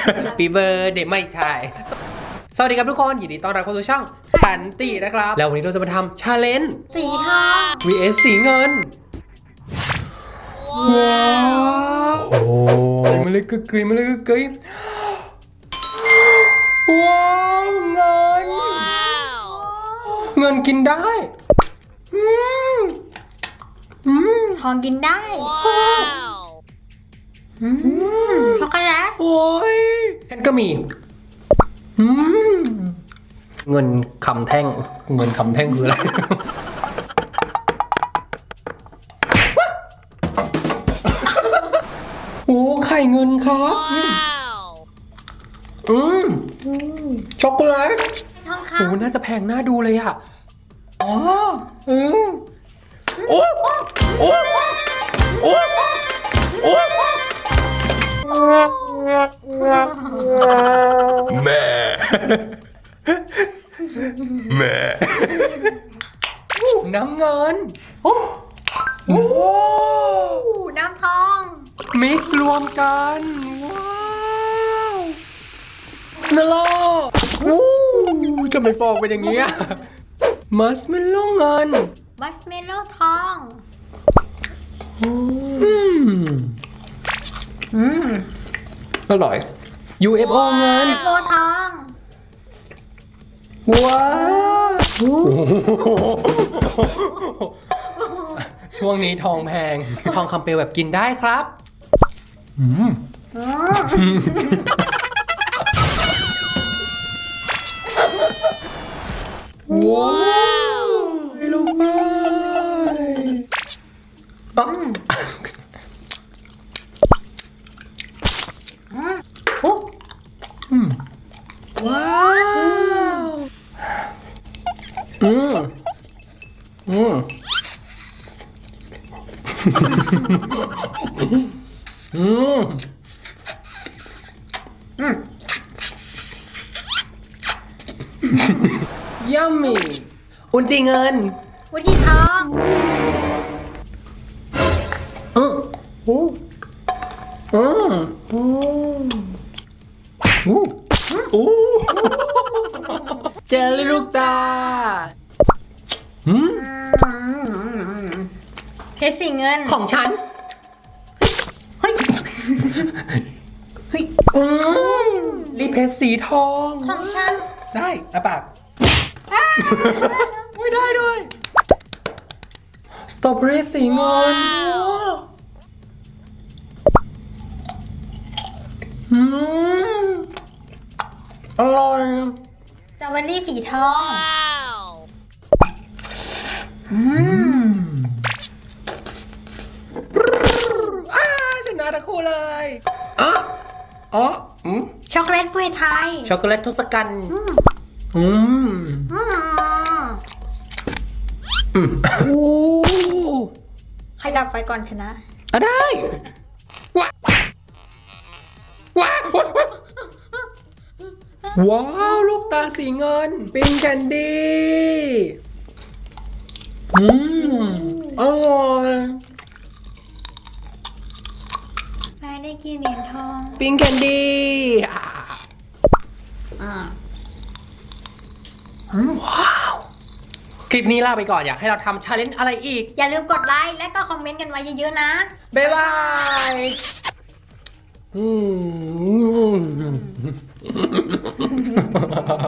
ปีเบอร์เดย์ไม่ใช่สวัสดีครับทุกคนยินดีต้อนรับเข้าสู่ช่องขันตินะครับแล้ววันนี้เราจะมาทำชาเลนจ์สีทอง vs สีเงินว้าวโอ้มาเลยกึกกึยมาเลยกึกกึยว้าวเงินกินได้ทองกินได้ช็อกโกแลตโอ้ยฉันก็มีเงินคำแท่งคืออะไรโอ้ไข่เงินครับช็อกโกแลตทองคโอ้น่าจะแพงน่าดูเลยอ่ะอ๋อโอ้โอ้โอ้โอ้แม่น้ำเงินโอ้น้ำทองมิกซ์รวมกันว้าวสเมลโล่จะไม่ฟองเป็นอย่างเงี้ยมัสเมลโล่เงินมัสเมลโล่ทองอร่อย UFO เงินโลทองว้าวช่วงนี้ทองแพงทองคำเปลวแบบกินได้ครับว้าวให้ลงไปว้าวยัมมี่อุนจีเงินวุ้นทองเจลลี่ลูกตาเพชรสีเงินของฉันเฮ้ยรีเพชรสีทองของฉันได้อะปากไม่ได้ด้วยสตรอเบอรี่สีเงินอร่อยสตรอเบอรี่สีทองชนะทั้งคู่เลยช็อกโกแลตถ้วยไทยช็อกโกแลตทศกัณฐ์ใครดับไฟก่อนชนะได้ว้าวลูกตาสีเงินปิ้งแคนดี้อร่อยแม่ได้กินเหรียญทองปิ้งแคนดี้ว้าวคลิปนี้ลาไปก่อนอยากให้เราทำชาเลนจ์อะไรอีกอย่าลืมกดไลค์และก็คอมเมนต์กันไว้เยอะๆนะบ๊ายบาย